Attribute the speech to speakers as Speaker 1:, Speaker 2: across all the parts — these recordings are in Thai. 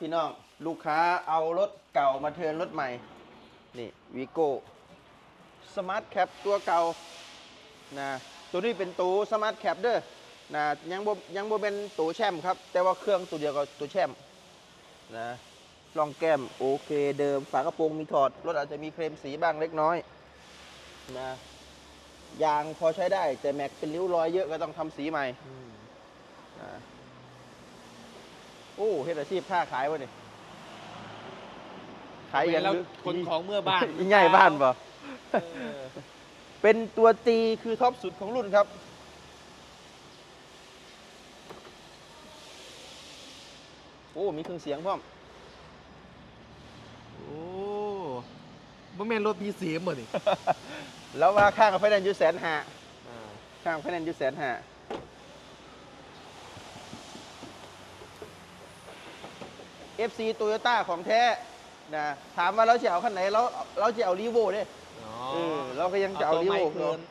Speaker 1: พี่น้องลูกค้าเอารถเก่ามาเทิร์นรถใหม่นี่วีโก้สมาร์ทแคปตัวเก่านะตัวนี้เป็นตัวสมาร์ทแคปเด้อนะยังบ่เป็นตัวแชมป์ครับแต่ว่าเครื่องตัวเดียวกับตัวแชมป์นะรองแก้มโอเคเดิมฝากระโปรงมีถอดรถอาจจะมีเคลมสีบ้างเล็กน้อยนะยางพอใช้ได้แต่แม็กเป็นริ้วรอยเยอะก็ต้องทำสีใหม่โอ้เฮ็ดอาชีพค้าขายวะนี่ขายอย่าง
Speaker 2: แล้วคนของเมื่อบ้าน
Speaker 1: ง่ายบ้านป่ะเป็นตัวตีคือท็อปสุดของรุ่นครับโอ้มีเครื่องเสียงพร้อม
Speaker 2: โอ้บ่แม่นรถมีเสียงบ่นี่
Speaker 1: แล้วว่าข้างกับไฟแนนซ์อยู่150,000ข้างไฟแนนซ์อยู่150,000FC Toyota ของแท้นะถามว่าเราจะเอาคันไหนเราจะเอารีโวเด้เราก็ยังจะเอารีโวเนาะ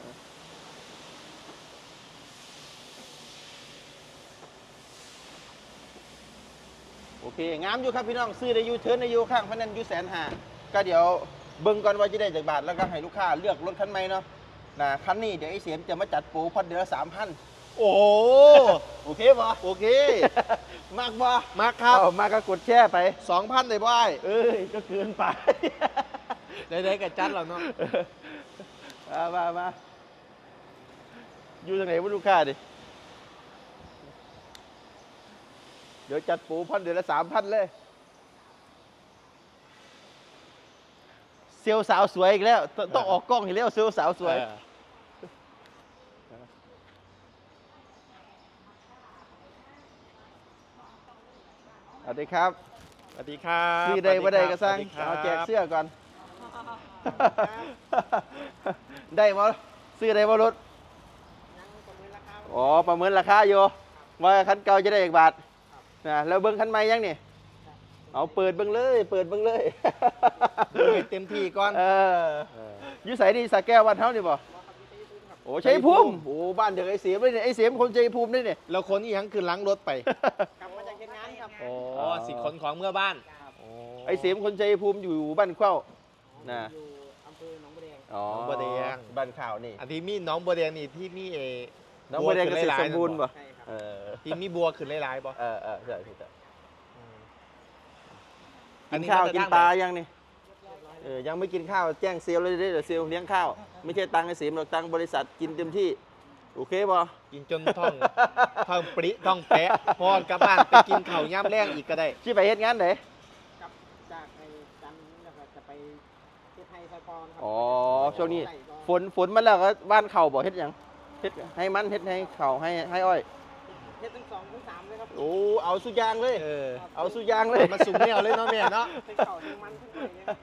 Speaker 1: โอเคงามอยู่ครับพี่น้องซื้อได้อยู่เทิร์นได้อยู่ข้างไฟแนนซ์อยู่150,000ก็เดี๋ยวเบิ่งก่อนว่าจะได้จากบาทแล้วก็ให้ลูกค้าเลือกรถคันใหม่เนาะนะคันนี้เดี๋ยวไอ้เสียมจะมาจัดโปรพอดเดือนละ 3,000โอ้โอเคป่ะโอเคมากป่ะมากครับมากก็กดแช่ไป 2,000ได้บ่เอ้ยก็เกินไป
Speaker 2: ได้ๆกับจัดแล้วเนาะ
Speaker 1: มาอยู่ตรงไหนวะลูกค้าดิเดี๋ยวจัดปูพันเดือนละ 3,000เลยเซลสาวสวยอีกแล้วต้องออกกล้องอีกแล้วเซลสาวสวยสวัสดีครับ
Speaker 2: สวัสดีครับ
Speaker 1: ซื้อได้บ่ได้ก็สร้างเอาแจกเสื้อก่อนได้มาซื้อได้มารถอ๋อประเมินราคาอยู่ว่าคันเก่าจะได้อีกบาทนะแล้วเบิ้งคันใหม่ยังนี่เอาเปิดเบิ้งเลย
Speaker 2: เต็มที่ก่อน
Speaker 1: ยุสัยดีสระแก้วบ้านเฮานี่บ่โอ้ชัยภูมิโอ้บ้านเด็กไอ้เสียมเลยเนี่ยไอ้เสียมคนชัยภูมินี่เนี่ย
Speaker 2: แล้วคนอีหยังคือล้างรถไป
Speaker 3: กลับมาจากเฮ็ดงานครับ
Speaker 2: โอ้สิขนของเมื่อบ้าน
Speaker 1: ไอ้เสียมคนชัยภูมิอยู่บ้านเข้านะ
Speaker 3: อยู่อำเภอหนองบัวแดง
Speaker 1: อ๋อหนองบัวแดงบ้านข่าวนี่
Speaker 2: อันที่มีหนองบัวแดงนี่ที่มี
Speaker 1: หนองบัวแดงเกษตรสมบูรณ์ป่ะ
Speaker 2: ที่มีบัวขึ้นหลายๆป่ะ
Speaker 1: ใช่กินข้าวกินปลายังนี่ยังไม่กินข้าวแจ้งเซลล์เลยเดี๋ยวเซลล์เลี้ยงข้าวไม่ใช่ตังค์ไอ้เสียมหรอกตังค์บริษัทกินเต็มที่โอเคป่ะ
Speaker 2: กินจนท้องปริท้องแปะพอกลับบ้านไปกินข้าวย่ำแรงอีกก็ได้
Speaker 1: ที่ไปเฮ็ดงานไหน
Speaker 3: กับจากไอ้จันทร์นะครับจะไปเฮ็ดไทยไฟปอนครับ
Speaker 1: อ๋อช่วงนี้ฝนมาแล้วก็บ้านเข่าบ่เฮ็ดยังเฮ็ดให้มันเฮ็ดให้เข่าให้อ้อย
Speaker 3: เฮ็ดทั้ง2 ทั้ง 3เลยครับ
Speaker 1: โอ้เอาสุยางเลยเอาสุยางเลย
Speaker 2: มาสุ่มเนี่ยเลยเนาะแม่เนาะ
Speaker 3: ทั้งเข่าทั้งมันทั้งอะไรเนี่ย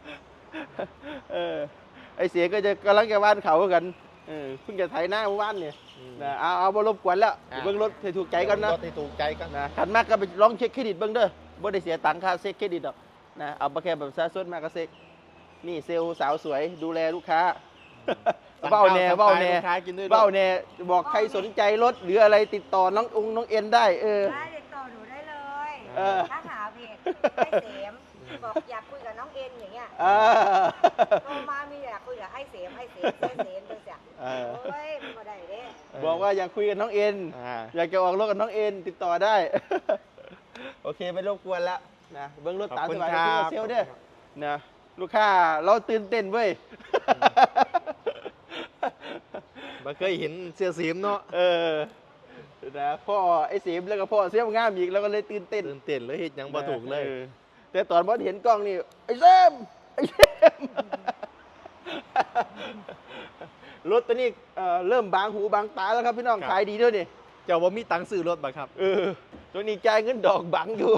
Speaker 1: ไอเสียก็จะกำลังจะบ้านเขากันเพิ่งจะไถหน้าบ้านเนี่ยนะเอาบ่รบกวนแล้วเบิ่งรถให้ถูกใจกันนะ
Speaker 2: รถให้ถูกใจกัน
Speaker 1: นะขันมากก็ไปลองเช็คเครดิตเบิ่งเด้อบ่ได้เสียตังค่าเช็คเครดิตหรอกนะเอาแค่แบบซาซดมากก็เช็คนี่เซลล์สาวสวยดูแลลูกค้าเบ้าแน่บอกใครสนใจรถหรืออะไรติดต่อน้องเอ็นได้
Speaker 4: ได้ติดต่อหนูได้เลยถ้าหาเพจไอ้เสมบอกอยากคุยกับน้องเอ็นอย่างเงี้ยโทรมามีอยากคุยกับไอ้เสมจังเสียโอ้ยมันก็ได้เด้
Speaker 1: บอกว่าอยากคุยกับน้องเอ็นอยากจะออกรถกับน้องเอ็นติดต่อได้โอเคไม่รบกวนแล้วนะเบิ้งรถตามสบายที่เซลเด้อนะลูกค้าเราตื่นเต้นเว้ย
Speaker 2: มาเคยเห็นเสื้อสีมเนาะ
Speaker 1: นะพ่อไอ้สีมแล้วก็พ่อเสียมงามอีกแล้วก็เลยตื่นเต้น
Speaker 2: เลยเห็นยังบ่ถูกเลย
Speaker 1: แต่ตอนบอสเห็นกล้องนี่ไอ้เซมรถตัวนี้เริ่มบางหูบางตาแล้วครับพี่น้องขายดีด้วยนี่
Speaker 2: เจ้าว่ามีตังค์ซื้อรถบ่ครับ
Speaker 1: ตัวนี้จ่ายเงินดอกบังอยู่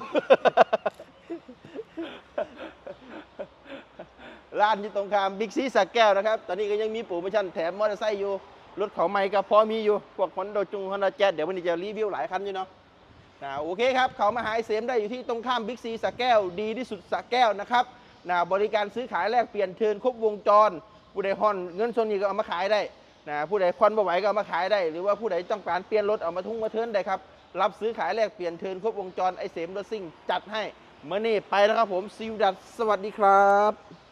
Speaker 1: ร้านที่ตรงข้ามบิ๊กซีสระแก้วนะครับตอนนี้ก็ยังมีโปรโมชั่นแถมมอเตอร์ไซค์อยู่รถของใหม่ก็พอมีอยู่พวกฮอนด้าแจ๊สเดี๋ยววันนี้จะรีวิวหลายคันอยู่เนาะโอเคครับเขามาหาเสียมได้อยู่ที่ตรงข้ามบิ๊กซีสระแก้วดีที่สุดสระแก้วนะครับบริการซื้อขายแลกเปลี่ยนเทิร์นครบวงจรผู้ใดฮอนเงินส่วนนี้ก็เอามาขายได้ผู้ใดควันบ่ไหวก็เอามาขายได้หรือว่าผู้ใดต้องการเปลี่ยนรถเอามาทุ่งมาเทิร์นได้ครับรับซื้อขายแลกเปลี่ยนเทิร์นครบวงจรไอเสียมรถซิ่งจัดให้เมื่อนี้ไปแล้วครับผมซิวดัตสวัสดีครับ